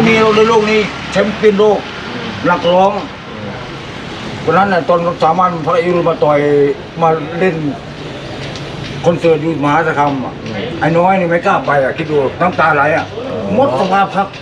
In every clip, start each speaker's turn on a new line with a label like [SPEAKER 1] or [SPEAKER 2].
[SPEAKER 1] มีในโลกนี้แชมป์เปี้ยนโลกนักร้องวันนั้นน่ะตอนสามัญพระอิรุมาต่อยมาเล่นคอนเสิร์ตอยู่มหาสารคามไอ้น้อยนี่ไม่กล้าไปคิดดูน้ำตาไหลหมดสภาพครับ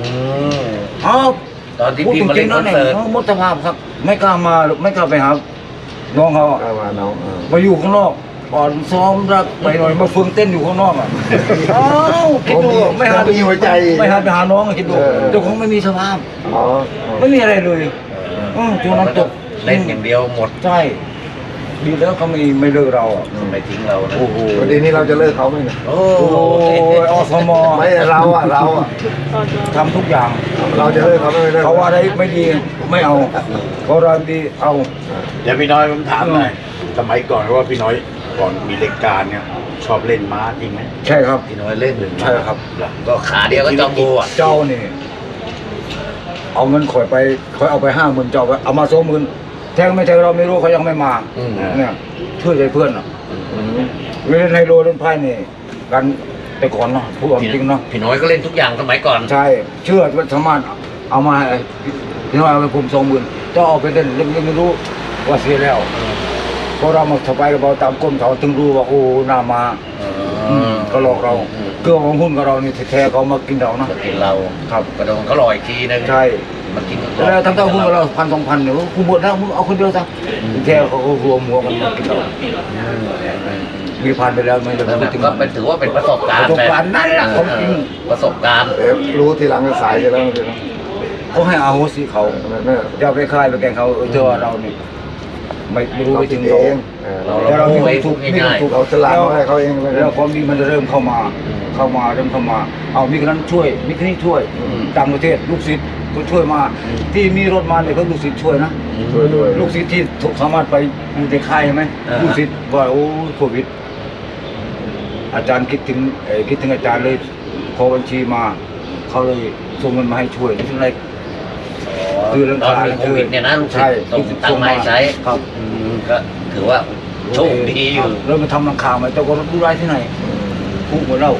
[SPEAKER 2] ตอนที่พี่มาเล่นคอนเสิร์ต
[SPEAKER 1] หมดสภาพครับไม่กล้ามาไม่กล้าไปหาน้องเขามาอยู่ข้างนอกก่อนซ้อมรักไปหน่อยมาฝึกเต้นอยู่ข้างนอกคิดดูไม่หาไปหัวใจไม่หาไปหาน้องคิดดูเจ้าของไม่มีสภาพไม่มีอะไรเลยจนน้ำตก
[SPEAKER 2] เล่นอย่างเดียวหมด
[SPEAKER 1] ใช่ดีแล้วเขาไม่เลิกเรา
[SPEAKER 2] ไม่ทิ้งเรา
[SPEAKER 3] โอ้โหวันนี้เราจะเลิกเขาไหมเนี่ย
[SPEAKER 2] โอ้
[SPEAKER 1] อสม
[SPEAKER 3] ไม่เรา
[SPEAKER 1] ทำทุกอย่าง
[SPEAKER 3] เราจะเลิกเขาไม่เลิก
[SPEAKER 1] เขาว่าอะไรไม่ดีไม่เอาเขาเราดีเอา
[SPEAKER 4] เดี๋ยวพี่น้อยผมถามหน่อยสมัยก่อนว่าพี่น้อยก่อนมีรายการเนี่ยชอบเล่นม้าจริงไหม
[SPEAKER 1] ใช่ครับ
[SPEAKER 2] พี่น้อยเล่น
[SPEAKER 1] ใช่ครับ
[SPEAKER 2] ก็ขาเดียวก็จอมบัว
[SPEAKER 1] เจ้านี่เอาเงินข่อยไปข่อยเอาไป50,000เจ้าเอามา20,000แทงไม่แทงเราไม่รู้เขายังไม่มาเนี่ยช่วยใจเพื่อนเล่นไฮโลเล่นไพ่นี่กันแต่ก่อนเนาะพูดจริงเนาะ
[SPEAKER 2] พี่น้อยก็เล่นทุกอย่างสมัยก่อน
[SPEAKER 1] ใช่เชื่อว่าสามารถเอามาพี่น้อยเอาไปผม20,000เจ้าเอาไปเล่นไม่รู้ว่าเสียแล้วพอเรามาสบายกับเราตามก้นเขาถึงรู้ว่าโอ้นามาก็หลอกเราเกลือของหุ้นกับเรานี่แท้ๆเขามากินเรานะ
[SPEAKER 2] กินเรา
[SPEAKER 1] ครับ
[SPEAKER 2] กระโดดเขาลอยทีนึง
[SPEAKER 1] ใช่
[SPEAKER 2] มากิน
[SPEAKER 1] แล้วทั้งหุ้นกับเรา1,000-2,000เนี่ยกูหมดแล้วมึงเอาคนเดียวซะแท้เขารวมหัวกันมากินเรามีพันไปแล้วไม่เลย
[SPEAKER 2] ก็เป็นถือว่าเป็นประสบการณ์
[SPEAKER 1] นั่นแหละของจริง
[SPEAKER 2] ประสบการณ์
[SPEAKER 3] รู้ทีหลังจะสายจะแล้ว
[SPEAKER 1] เขาให้อาโหสิเขาจะไปคลายไปแกงเขาเจอเราเนี่ยไม่รู้ไปถึงเราเรามีความทุกข์มีความทุกข์
[SPEAKER 3] เราจะล้างให้เขาเอง
[SPEAKER 1] แล้วความดีมันจะเริ่มเข้ามาเริ่มเข้ามาเอามีคนนั้นช่วยมีคนนี้ช่วยต่างประเทศลูกศิษย์ก็ช่วยมาที่มีรถมาเนี่ยเขาลูกศิษย์ช่วยนะ
[SPEAKER 3] ช่วยด้วย
[SPEAKER 1] ลูกศิษย์ที่สามารถไปอยู่ในค่ายไหมลูกศิษย์ว่าโอ้โควิดอาจารย์คิดถึงอาจารย์เลยขอบัญชีมาเขาเลยส่งเงินมาให้ช่วยนี่เป็นไร
[SPEAKER 2] คือตอนมีโควิดเนี่ยนะลูกศิษย์ตั้งไม้ใช้
[SPEAKER 1] ครับ
[SPEAKER 2] ก็ถือว่าโชคดีอยู่
[SPEAKER 1] เริ่มมาทำหลังคาไหมเจ้าก็รู้ไรที่ไหนคู่เหมือนเรา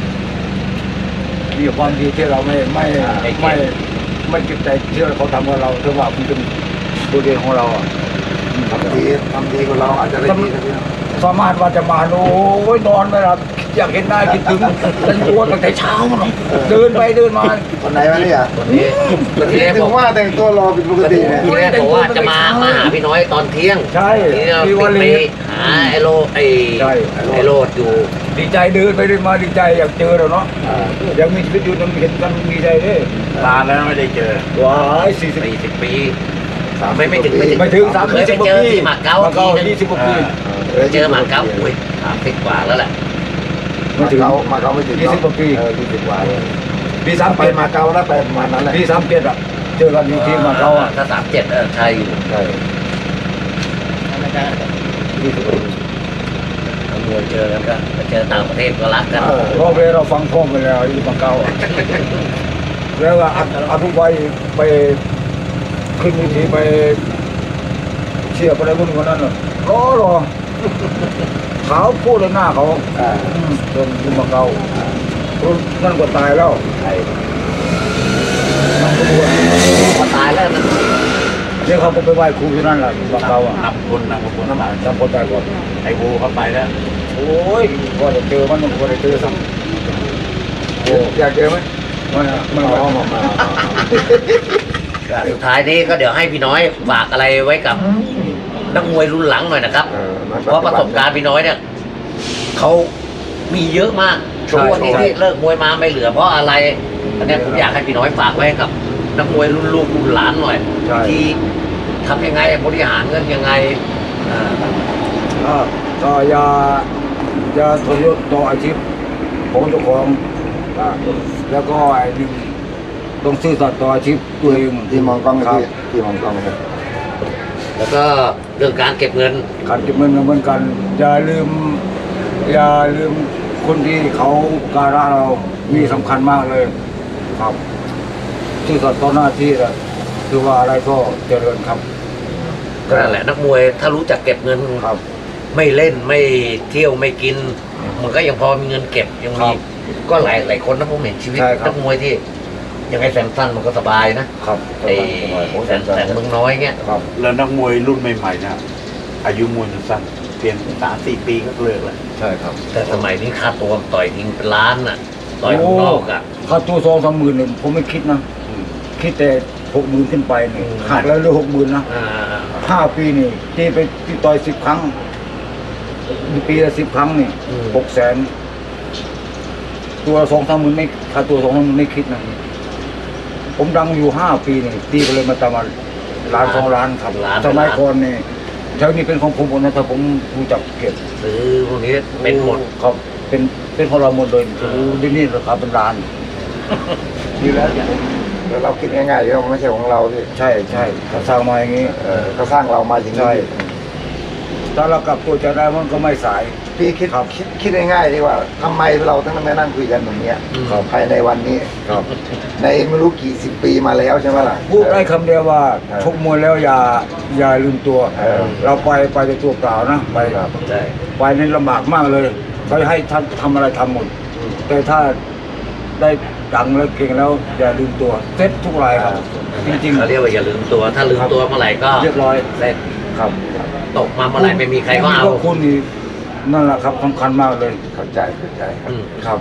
[SPEAKER 1] มีความดีที่เราไม่เก็บใจที่เขาทำกับเราเท่าว่ามันเป็นตัวเดียวของเรา
[SPEAKER 3] ทำดีกว่าเราอาจจะได้ดี
[SPEAKER 1] สามารถว่าจะมาโอ้ยนอนไม่หลับอยากเห็นได้คิดถึงเป็นตัวตั้งแต่เช้าเดินไปเดินมา
[SPEAKER 3] วันไหนวะเนี่ย
[SPEAKER 2] วันนี้
[SPEAKER 3] ถึงว่าแต่งตัวรอเป็นปกติเนี่ย
[SPEAKER 2] ที่แรกบอกว่าจะมาหาพี่น้อยตอนเที่ยง
[SPEAKER 1] ใช่
[SPEAKER 2] ที่วันนี้หาไอโรดอยู่
[SPEAKER 1] ดีใจเดินไปเดินมาดีใจอยากเจอเราเนาะยังมีชีวิตอยู่ต้องเห็นกันดีใจด้วย
[SPEAKER 4] นานแล้วไม่ได้เจอ
[SPEAKER 1] ว้าย40
[SPEAKER 2] ปีไม่ถึง
[SPEAKER 1] เคยไป
[SPEAKER 2] เจอที่มาเก๊า
[SPEAKER 1] 20 กว่าปี
[SPEAKER 2] เจอมาเก๊าอุ้ย30 กว่าแล้วแหละ
[SPEAKER 3] มาเก๊าไม่ถึง
[SPEAKER 1] 20 กว่าปี
[SPEAKER 3] 20 กว่า
[SPEAKER 1] ปี
[SPEAKER 3] 3ไปมาเก๊าแล้วไปประมาณนั้นแหละ
[SPEAKER 1] ปี37อ่ะเจอกันที่มาเก๊า
[SPEAKER 2] ถ้า37ใช่อยู่
[SPEAKER 3] ใช่
[SPEAKER 1] 20 กว่าปี
[SPEAKER 2] ทั้งมวยเจอกันก็เจอต่างประเทศก็รักกัน
[SPEAKER 1] เพราะเราฟังพ่อไปแล้วที่มาเก๊าแล้วก็อนุวัยไปขึ้นวิธีไปเชียร์อะไรพวกนั้นน่ะรอขาวพูดเลยหน้าเขาจนขึ้นมาเก่านั่นก็ตายแล้ว
[SPEAKER 2] ก็ตายแล้วนั่น
[SPEAKER 1] เดี๋ยวเขาก็ไปไหว้ครูที่นั่นแหละมาเก่า
[SPEAKER 4] นับคนน้
[SPEAKER 1] ำคนตายก่อน
[SPEAKER 4] ไอ้โบเขาไปแล้ว
[SPEAKER 1] โอ้ยก็จะเจอมันก็จะเจอสั่ง
[SPEAKER 3] อยากเจอไหม
[SPEAKER 1] ไม่มา
[SPEAKER 2] สุดท้ายนี้ก็เดี๋ยวให้พี่น้อยฝากอะไรไว้กับนักมวยรุ่นหลังหน่อยนะครับเพราะประสบการณ์พี่น้อยเนี่ยเขามีเยอะมากช่วงนี้ที่เลิกมวยมาไม่เหลือเพราะอะไรอันนี้ผมอยากให้พี่น้อยฝากไว้กับนักมวยรุ่นลูกรุ่นหลานหน่อยที่ทำยังไงบริหารเงินยังไง
[SPEAKER 1] ก็อย่าทรยศต่ออาชีพของเจ้าของแล้วก็ไอ้นี่ต้องซื่อสัตย์ต่ออาชีพตัวเอง
[SPEAKER 3] ที่มองกล้องที่มองกล้องครับ
[SPEAKER 2] แล้วก็เรื่องการเก็บเงิน
[SPEAKER 1] เหมือนกันอย่าลืมคนที่เขาการะเรามีสำคัญมากเลยครับซื่อสัตย์ต่อหน้าที่นะคือว่าอะไรก็เจริญครับ
[SPEAKER 2] นั่นแหละนักมวยถ้ารู้จักเก็บเงิน
[SPEAKER 1] ครับ
[SPEAKER 2] ไม่เล่นไม่เที่ยวไม่กินมันก็ยังพอมีเงินเก็บยังมีก็หลายคนนะผมเห็นชีวิตนักมวยที่ยังไงแสงสั้นมันก็สบายนะครับ ไอ้แสงเมืองน้อยเงี้ย
[SPEAKER 1] ครับ
[SPEAKER 4] แล้วนักมวยรุ่นใหม่ๆนะอายุมวยมันสั้นเพียง3-4 ปีก็เลิกแล้ว
[SPEAKER 1] ใช่ครับ
[SPEAKER 2] แต่สมัยนี้ค่าตัวต่อยทิ้งเป็นล้านน่ะต่อยข้างนอกอ่ะ
[SPEAKER 1] ค่าตัว2-3 หมื่นเนี่ยผมไม่คิดนะ
[SPEAKER 4] อืม
[SPEAKER 1] คิดแต่60,000ขึ้นไปนี่
[SPEAKER 2] อืม
[SPEAKER 1] หักแล้วเหลือ60,000นะ
[SPEAKER 2] อ่า
[SPEAKER 1] 5 ปีนี่ตีไปที่ต่อย10 ครั้งปีละ10 ครั้งนี่
[SPEAKER 2] อืม
[SPEAKER 1] 600,000ตัว2-3 หมื่นไม่ค่าตัว2-3 หมื่นไม่คิดนะผมดังอยู่5 ปีนี่ตีไปเลยมาตามมาล้าน2 ล้านครับสมัยก่อนนี่แถวนี้เป็นของผมหมดนะถ้าผมรู้จักเก็บ
[SPEAKER 2] ซื้อพวกนี้เป็นหมด
[SPEAKER 1] ครับเป็นของเราหมดเลยที่นี่ราคาเป็นล้าน
[SPEAKER 3] ดีแล้วแล้วเราคิดง่ายๆว่าไม่ใช่ของเราที่
[SPEAKER 1] ใช่ใช่เขาสร้างมาอย่างนี้
[SPEAKER 3] เขาสร้างเรามาอย่างนี้
[SPEAKER 1] ใช่ถ้าเรากลับตัวจะได้มันก็ไม่สาย
[SPEAKER 3] พี่คิด
[SPEAKER 1] ครับ
[SPEAKER 3] คิดง่ายๆดีว่าทำไมเราต้องมานั่งคุยกันแบบเนี้ย
[SPEAKER 1] ครับ
[SPEAKER 3] ภายในวันนี้
[SPEAKER 1] ครับ
[SPEAKER 3] ในไม่รู้กี่สิบปีมาแล้วใช่ไหมล่ะ
[SPEAKER 1] พูดได้คำเดียวว่าชกมวยแล้วอย่าลืมตัว เราไปแต่ตัวเปล่านะไป
[SPEAKER 2] ใช่
[SPEAKER 1] ไปนี่ลำบากมากเลยเขาให้ท่านทำอะไรทำหมดแต่ถ้าได้ดังแล้วเก่งแล้วอย่าลืมตัวเซ็ตทุกรายครับจริง
[SPEAKER 2] เขาเรียกว่าอย่าลืมตัว ถ้าลืมตัวเมื่อไหร่ก็
[SPEAKER 1] ๆเรียบร้อย
[SPEAKER 2] เสร็จ
[SPEAKER 1] ครับ
[SPEAKER 2] ตกมาเมื่อไหร่ไม่มีใครก็เอา
[SPEAKER 1] พวคุณนี่นั่นแหละครับสำคัญมากเลย
[SPEAKER 3] เข้าใจครับ
[SPEAKER 2] อืม
[SPEAKER 1] ครับ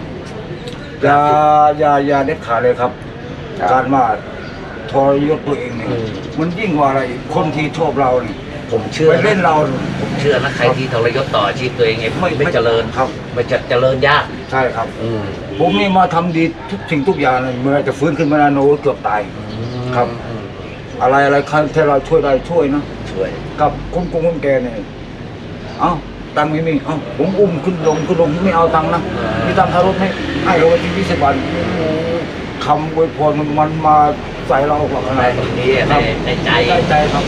[SPEAKER 1] อย่าเด็ดขาดเลยครับ
[SPEAKER 3] ครับ
[SPEAKER 1] การว่าทรยศตัวเองเนี่ยมันยิ่งกว่าอะไรอีกคนที่ชอบเราเนี่ย
[SPEAKER 2] ผมเชื่อ
[SPEAKER 1] ไปเล่นเรา
[SPEAKER 2] ผมเชื่อนะใครที่ทรยศต่ออาชีพตัวเองไงไม่เจริญ
[SPEAKER 1] ครับ
[SPEAKER 2] ไม่จะเจริญยาก
[SPEAKER 1] ใช่ครับ
[SPEAKER 2] อืม
[SPEAKER 1] ผมนี่มาทำดีทุกสิ่งทุกอย่างเลยเมื่อจะฟื้นขึ้นมานาโนเกือบตาย ครับ
[SPEAKER 2] อืม
[SPEAKER 1] อะไรที่เราช่วยได้ช่วยนะ
[SPEAKER 2] ช่วย
[SPEAKER 1] กับคนแก่เนี่ยเอ้าตังค์ไม่มีเอ้าผมอุ้มขึ้นลงไม่เอาตังค์นะมีตังค์ค่ารถไหมให้เราไปที่20 บาทคำอวยพรมันมาใส่เราหรอกขนา
[SPEAKER 2] ได้
[SPEAKER 1] ด
[SPEAKER 2] ตรงนี้
[SPEAKER 1] ครับ
[SPEAKER 2] ในใจ
[SPEAKER 1] ได้ใจครับ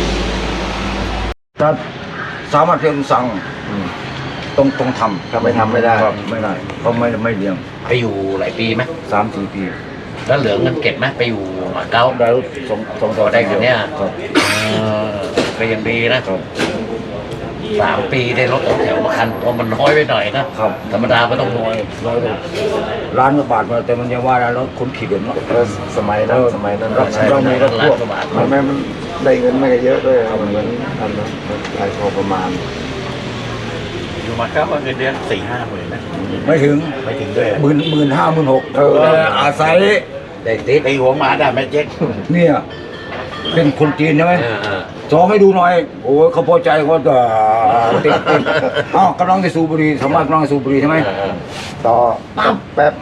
[SPEAKER 1] ถ้าสามารถเพียงสั่งต้องทำ
[SPEAKER 3] ถ้าไม่ทำไม่ได้
[SPEAKER 1] ครับไม่ได้เขาไม่เลี้ยง
[SPEAKER 2] ไปอยู่หลายปีไหม
[SPEAKER 1] 3-4 ปี
[SPEAKER 2] แล้วเหลือเงินเก็บไหมไปอยู่มาเก๊า
[SPEAKER 1] ได้รถสอง
[SPEAKER 2] ต่อได้คันเนี้ย
[SPEAKER 1] ครับ
[SPEAKER 2] ก็ยังดีนะครับ 3 ปีได้รถสองแถวมาคันตัวมันน้อยไปหน่อยนะครับ ธรรมดาไม่ต้องน้อย
[SPEAKER 1] ร้อยล้านกว่าบาทมาแต่มันยังว่าแล้วคนขี่เดินเนาะ
[SPEAKER 3] สมัยนั้นสมัยนั้น
[SPEAKER 1] ใช่ เรามีรถ
[SPEAKER 2] ล้านกว่าบาท
[SPEAKER 3] มันได้เงินไม่เยอะด้วยเหมือนอันนั้นรายพอประมาณ
[SPEAKER 4] อยู่มาครับว่าเงินเดือน4-5 หมื่นนะ
[SPEAKER 1] ไม่ถึง
[SPEAKER 4] ไม่ถึงด้วย
[SPEAKER 1] 15,000-16,000อาศัย
[SPEAKER 2] ได้ติด
[SPEAKER 4] ไอหัวหมาด่าแม่เจ๊ก
[SPEAKER 1] เนี่ยเป็นคนจีนใช่ไหม สองให้ดูหน่อย โอ้ยเขาพอใจเขาจะติดอ้าวกำลังจะสูบบุหรี่สามารถกำลังจะสูบบุหรี่ใช่ไหม
[SPEAKER 3] ต่อแป๊บ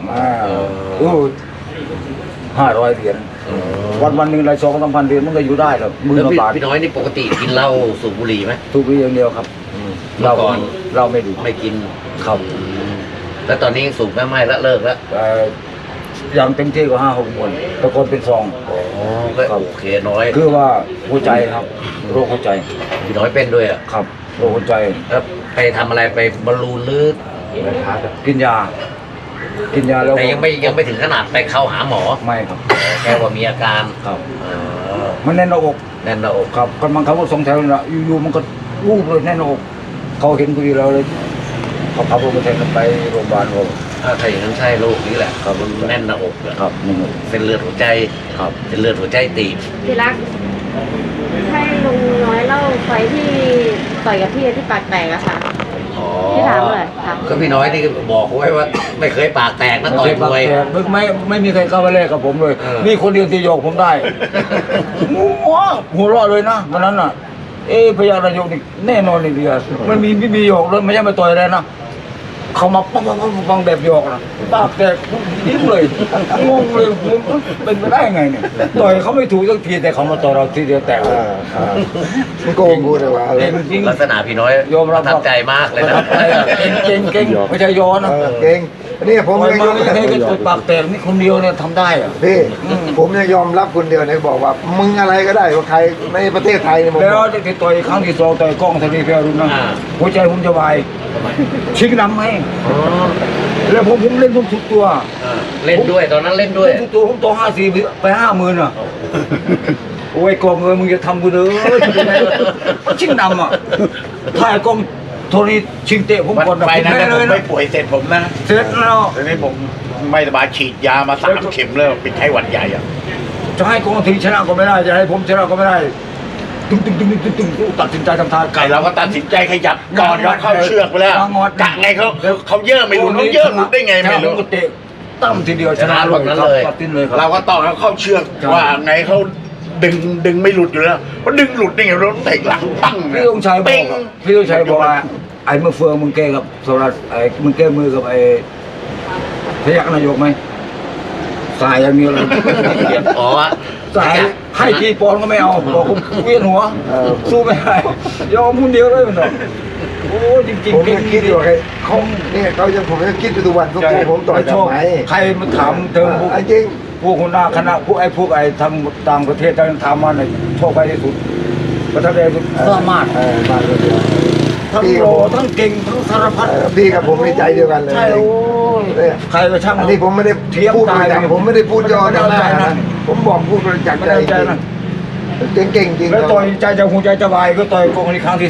[SPEAKER 1] 500 เหรียญวันหนึ่งราย2-3 พันเหรียญมันก็อยู่ได้หรอกหมื่น
[SPEAKER 2] แล้ว
[SPEAKER 1] กว่าบาท
[SPEAKER 2] พี่น้อยนี่ปกติกินเหล้าสูบบุหรี่ไหม
[SPEAKER 1] สูบบุหรี่อย่างเดียวครับ
[SPEAKER 2] เมื่อก่อน
[SPEAKER 1] เราไม่ดู
[SPEAKER 2] ไม่กิน
[SPEAKER 1] ครับ
[SPEAKER 2] แล้วตอนนี้สูบไม่แล้วเลิกแล้ว
[SPEAKER 1] อย่างเต็มที่ก็5-6 มวนแต่ก่อนเป็นซอง
[SPEAKER 2] อ๋อก็โอเคน้อย
[SPEAKER 1] คือว่าหัวใจครับโรคหัวใจ
[SPEAKER 2] พี่น้อยเป็นด้วยอ่ะ
[SPEAKER 1] ครับโรคหัวใจ
[SPEAKER 2] แล้วไปทำอะไรไปบอลลูนหรือ
[SPEAKER 1] กินยาแล้ว
[SPEAKER 2] แต่ยังไม่ถึงขนาดไปเข้าหาหมอ
[SPEAKER 1] ไม่ครับ
[SPEAKER 2] แค่ว่ามีอาการ
[SPEAKER 1] ครับ
[SPEAKER 2] เออ
[SPEAKER 1] มันแน่นหน้าอก
[SPEAKER 2] แน่นหน้าอก
[SPEAKER 1] ครับกำลังเขาก็2 แถวนี่แหละอยู่ๆมันก็วูบเลยแน่นหน้าอกเขาเห็นพอดีเราเลยเขาขับรถมาแทนกันไปโรงพยาบาลเรา
[SPEAKER 2] ถ้าอย่างนั้นใช่โรคนี้แหละ
[SPEAKER 1] ครับ
[SPEAKER 2] มันแน่นหน้าอกอะ
[SPEAKER 1] ครับนี่
[SPEAKER 2] เส้นเลือดหัวใจ
[SPEAKER 1] ครับ
[SPEAKER 2] เส้นเลือดหัวใจตีบ
[SPEAKER 5] พี่รักให้ลุงน้อยเล่าไฟที่ต่อยกับพี่ที่ปากแตกอะค่ะ
[SPEAKER 2] อ๋อ
[SPEAKER 5] พี่ถามเลยถาม
[SPEAKER 2] ก็พี่น้อยนี่บอกไว้ว่า ไม่เคยปากแตกนะต่อยมวย
[SPEAKER 1] ไม่มีใครเข้ามาแลกกับผมเลย
[SPEAKER 2] เออ
[SPEAKER 1] มีคนเดียวที่โยกผมได้ หัวเราะเลยนะวันนั้นน่ะ พยานายกนี่แน่นอนเลยเดียวมันไม่มีโยกเลยไม่ใช่มาต่อยอะไรนะเขามาปังแบบโยกนะปากแตกยิ้มเลยงงเลยเป็นไปได้ไงเนี่ยต่อยเขาไม่ถูกสักทีแต่เขามาต่อยเราทีเดียวแตกเลย
[SPEAKER 3] มันโกงกูเลยว่า
[SPEAKER 1] เก่งจริง
[SPEAKER 2] ลักษณะพี่น้อย
[SPEAKER 1] ยอมรับ
[SPEAKER 2] ประทับใจมากเลยนะ
[SPEAKER 1] เก่งไม่ใช่ย้อนนะ
[SPEAKER 3] เก่งนี่ผม
[SPEAKER 1] ต่อย
[SPEAKER 3] ยัง
[SPEAKER 1] มาย
[SPEAKER 3] อม
[SPEAKER 1] ไม่เคยต่อยปากแตกนี่คนเดียวเนี่ยทำได้อะ
[SPEAKER 3] พี่ผมยังยอมรับคนเดียวเนี่ยบอกว่ามึงอะไรก็ได้ว่าใครในประเทศไทยเนี่ยผม
[SPEAKER 1] แล้ว
[SPEAKER 3] บอก
[SPEAKER 1] ที่ต่อยครั้งที่ 2ต่อยกล้องธนีเพลรุ่นนะหัวใจผมจะวายชิงนำให้แล้วผมเล่นทุกตัว
[SPEAKER 2] เล่นด้วยตอนนั้นเล่นด้วย
[SPEAKER 1] เล่นทุกตัวผมต่อ54ไป50,000อ่ะโอ้ยกองมึงจะทำกูเด้อมันชิงนำอ่ะถ้ากองโทนี่ชิงเตะผมก่อน
[SPEAKER 4] ไปนะ
[SPEAKER 1] แพ้
[SPEAKER 4] ผ
[SPEAKER 1] เล
[SPEAKER 4] ม
[SPEAKER 1] ย
[SPEAKER 4] ไม่
[SPEAKER 1] นะ
[SPEAKER 4] ป่วยเสร็จผมนะ
[SPEAKER 1] เสร็จแล้ว
[SPEAKER 4] ตอนนี้ผมไม่สบายฉีดยามา3 เข็มแล้วเป็นไข้หวัดใหญ่อะ
[SPEAKER 1] จะให้กองทีชนะก็ไม่ได้จะให้ผมชนะก็ไม่ได้ตึงตัดสินใจทำทาง
[SPEAKER 4] ไก่เราก็ตัดสินใจขยับก่อนเราเข้าเชือกไปแล้วกะไงเขาเยอะไม่รู้เขาเยอะหลุดได้ไงไม่รู้
[SPEAKER 1] เตะตั้มทีเดียวชนะเลยตัดสินเลยครับ
[SPEAKER 4] เราก็ต่อแล้วเข้าเชือกว่าไงเขาดึงไม่หลุดอยู่แล้วเพราะดึงหลุดได้ไงรถเตะหลังปั้ง
[SPEAKER 1] พี่ต้องชัยบอกพี่ต้องชัยบอกว่าไอ้เมื่อเฟืองมึงแก้กับโซลัสไอ้มึงแก้มือกับไอ้พยักนายกไหมสายอย่างนี้เลย
[SPEAKER 2] อ๋อ
[SPEAKER 1] สายให้กี่ปอนก็ไม่เอาบอกผมเวียนหัวสู้ไม่ได้ยอมคนเดียวเลยมันโอ้จริง
[SPEAKER 3] ผม
[SPEAKER 1] ๆ
[SPEAKER 3] ยังคิดอยู่เขาเนี่ยเขายังผมยังคิดอยู่ทุกวันทุกทีผมต่อยกับไหม
[SPEAKER 1] ใครมันถามเธอพวก
[SPEAKER 3] จริง
[SPEAKER 1] พวกหัวหน้าคณะพวกไอ้ทำต่างประเทศทำมาเนี่ยโชคไปที่สุดประทับใจสุดสามารถ
[SPEAKER 3] มาเลย
[SPEAKER 1] ทั้งโลทั้งเก่งทั้งสารพัด
[SPEAKER 3] พี่กับผมในใจเดียวกันเลย
[SPEAKER 1] ใช่โอ้ย
[SPEAKER 3] เนี่ย
[SPEAKER 1] ใครก็ช่าง
[SPEAKER 3] อันนี้ผมไม่ได้พูดอะไรผมไม่ได้พูดย่อหน้านะผมบอกพูดจาก
[SPEAKER 1] ไม่
[SPEAKER 3] ใจ
[SPEAKER 1] ได้ใจนะ
[SPEAKER 3] เก่งจริง
[SPEAKER 1] แล้วต่อยใจจะหัวใจจะวายก็ต่อยกองนี้ครั้งที่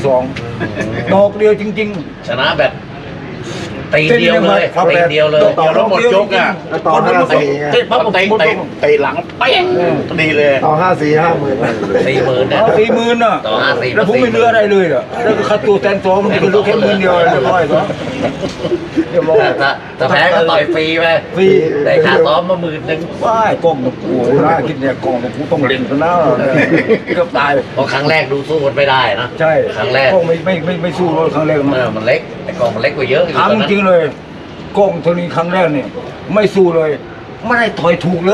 [SPEAKER 1] 2ดอกเดียวจริง
[SPEAKER 2] ชนะแบบตีเดียวเลยตีเดียวเลย
[SPEAKER 1] ต่อ
[SPEAKER 4] แล้วหมดยกอ่ะ
[SPEAKER 3] ต่อ5-4
[SPEAKER 2] เตะปั๊บผม
[SPEAKER 4] เตะหลังเป้งดีเลย
[SPEAKER 3] ต่อ5-4 50,000
[SPEAKER 2] 40,000นะ
[SPEAKER 1] เอา40,000น่ะ
[SPEAKER 2] ต่อ50,000
[SPEAKER 1] แล้วผมไม่เหลืออะไรเลยอ่ะแล้วก็ค่าตัวแทนตัวมันก็รู้แค่10,000เดียวเรียบร้อยก็เรียบร้อย
[SPEAKER 2] ถ้าแพ้ก็ต่อยฟรีไป
[SPEAKER 1] ฟรี
[SPEAKER 2] ได้ค่าซ้อมมา10,000
[SPEAKER 1] ว้ายกล้องตะกูน่าคิดเนี่ยกล้องตะกูต้องเล่นซะนะเกือบตาย
[SPEAKER 2] เพราะครั้งแรกดูสู้กันไม่ได้นะ
[SPEAKER 1] ใช่
[SPEAKER 2] ครั้งแรก
[SPEAKER 1] กล้องไม่สู้เลยครั้งแรก
[SPEAKER 2] มันเล็กไอ้กองมันเล็กกว่าเยอะ
[SPEAKER 1] ถามจริงๆเลยกล้องตัวนี้ครั้งแรกเนี่ยไม่สู้เลยไม่ได้ถอยถูกเลย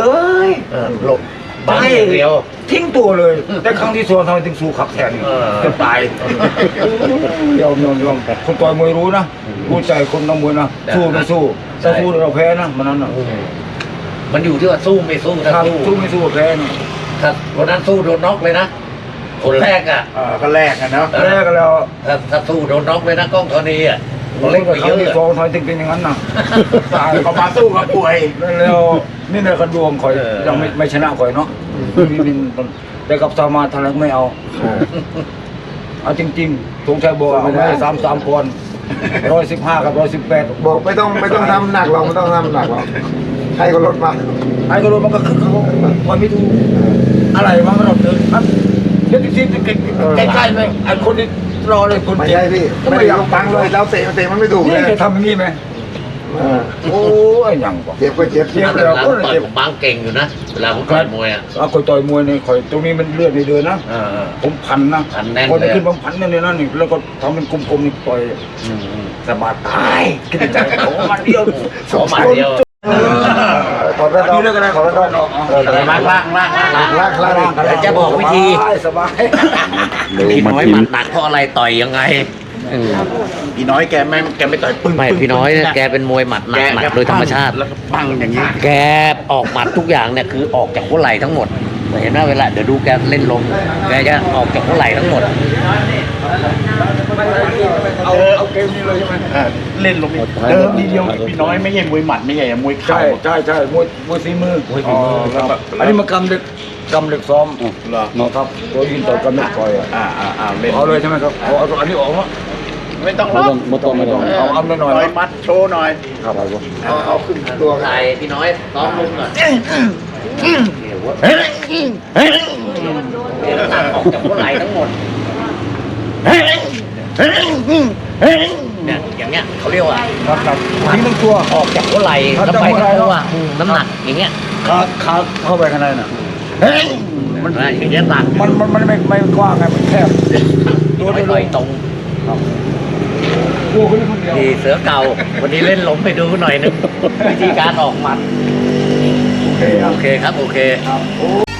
[SPEAKER 2] หลบบังอย่างเดียว
[SPEAKER 1] ทิ้งตัวเลย แต่ครั้งที่2ทำไมถึงสู้ขับแทน จะตายยอมคนต่อยมวยรู้นะรู้ใจคนนักมวยนะสู้ไม่สู้ถ้าสู้เราแพ้นะมันนั้นนะ
[SPEAKER 2] มันอยู่ที่ว่าสู้ไม่สู้ถ้า
[SPEAKER 1] ถ้า
[SPEAKER 2] สู้
[SPEAKER 1] สู้ไม่สู้แพ้นะ
[SPEAKER 2] ถ้าวันนั้นสู้โดนน็อกเลยนะคนแรกอ่ะ
[SPEAKER 4] ก็แลกกันเนาะ
[SPEAKER 1] แพ้กันแล้ว
[SPEAKER 2] ถ้าสู้โดนน็อกเลยนะกล้องธรณีอ่ะ
[SPEAKER 1] ค
[SPEAKER 2] เล็กก
[SPEAKER 1] รั้
[SPEAKER 2] ว่าเย
[SPEAKER 1] ง
[SPEAKER 2] อะ
[SPEAKER 1] ที่2ทำไมถึงเป็นอย่างนั้นนะตาย
[SPEAKER 4] เขามาสู้กับป่วย
[SPEAKER 1] แล้วนี่ในกระดวงคอยยังไม่ชนะคอยเนาะแต่กับสามาทางไม่เอาเอาจริงๆสงชัยบอกเอาไม่ได้3-3 ปอนด์115 กับ 118
[SPEAKER 3] บอกไม่ต้องทำหนักหรอกไม่ต้องทำหนักหรอกใครก็ลดมา
[SPEAKER 1] ไอ้กระโดดมันก็คึกเขาคอยไม่ถูกอะไรมันก็ต้องเดินครับเดี๋ยวที่ใกล้ๆไหมไอ้คนที่รอเลยคน
[SPEAKER 3] ไม่
[SPEAKER 1] เจ็บ
[SPEAKER 3] ใช่พี่
[SPEAKER 1] ก็
[SPEAKER 3] ไม่
[SPEAKER 1] ไม่
[SPEAKER 3] ได้
[SPEAKER 1] อยาก
[SPEAKER 3] ฟังเลยแล้วเตะมันไม่ถูกเล
[SPEAKER 1] นี่
[SPEAKER 3] ย
[SPEAKER 1] จะทำอย่างนี้ไหมโอ้ยยังกว่า
[SPEAKER 3] เจ็บก็เจ็บ
[SPEAKER 1] เจ็บ
[SPEAKER 2] หลังต่อยผมบังเก่งอยู่นะเวลาผมต่อยมวยอ่ะ
[SPEAKER 1] เอาคอยต่อยมวยเนี่ยคอยตรงนี้มันเลือดในเดินนะ
[SPEAKER 2] เออ
[SPEAKER 1] ผมพันนะ
[SPEAKER 2] พันแน่น
[SPEAKER 1] คน
[SPEAKER 2] เลย
[SPEAKER 1] ขึ้นบางพันเนี่ยนั่นนี่แล้วก็ทำเป็นกลมๆนี่ต่อยสมาตายคิดในใจโอ้มันเดียว
[SPEAKER 2] สองหมัดเดียว
[SPEAKER 3] ถอดแว่นออก
[SPEAKER 1] นี่เรื่องอะไร
[SPEAKER 3] ถอดแว่นออก
[SPEAKER 2] ล่าง เดี๋ยวจะบอกวิธี
[SPEAKER 1] สบาย
[SPEAKER 2] พี่น้อยหมัดหนักเพราะอะไรต่อยยังไง
[SPEAKER 4] พี่น้อยแกไม่ต่อยปึ้ง
[SPEAKER 2] ไม่พี่น้อยเนี่ยแกเป็นมวยหมัดหนักโดยธรรมชาติ
[SPEAKER 4] แล้วก็ปังอย่างนี้
[SPEAKER 2] แกออกหมัดทุกอย่างเนี่ยคือออกจากหัวไหล่ทั้งหมดเห็นไหมเวลาเดี๋ยวดูแกเล่นลมแกจะออกจากหัวไหล่ทั้งหมด
[SPEAKER 1] เอาเกมนี้เลยใช่ไหม
[SPEAKER 4] เล่นลงเดิมทีเดียวพี่น้อยไม่ใช่มวยหมัดไม่ใช่มวยเข่า
[SPEAKER 1] ใช่มวยฝีมือ
[SPEAKER 2] มวยฝีมือ
[SPEAKER 1] ครับอันนี้มากำเด็กซ้อม
[SPEAKER 4] เหรอ
[SPEAKER 1] นะครับโดยยินต่อกำเด็กต่อยอ่ะ
[SPEAKER 4] เล่น
[SPEAKER 1] เอาเลยใช่ไหมครับเอาอันนี้ออกมา
[SPEAKER 4] ไม่ต้องรับ
[SPEAKER 1] ไม่ต้องเอาหน่อย
[SPEAKER 4] ต่อยมัดโชว์หน่อย
[SPEAKER 1] ครับ
[SPEAKER 3] เอาขึ้นตัว
[SPEAKER 2] ใส่พี่น้อยซ้อมลุงก่อนเดี๋ยวหนักออกจากหัวไหล่ทั้งหมดเนี่ยอย่างเงี้ยเขาเรียกว่า
[SPEAKER 1] ครับทิ้งทั้งตัว
[SPEAKER 2] ออกจากหัวไหล่แล้วไปทั้งตัวน้ำหนักอย่างเงี้ย
[SPEAKER 1] ขาเข้าไปข้างในน่ะ
[SPEAKER 2] มันอย่างเงี้ยหนัก
[SPEAKER 1] มันไม่กว้างไงมันแคบ
[SPEAKER 2] ตัวไม่ต่อยตรง
[SPEAKER 1] กลัวคนนี้คนเดียว
[SPEAKER 2] ดีเสือเก่า วันนี้เล่นล้มไปดูหน่อยนึงวิธีการออกหมัด
[SPEAKER 1] โอเค
[SPEAKER 2] โอเคครับ โอเค
[SPEAKER 1] ครับ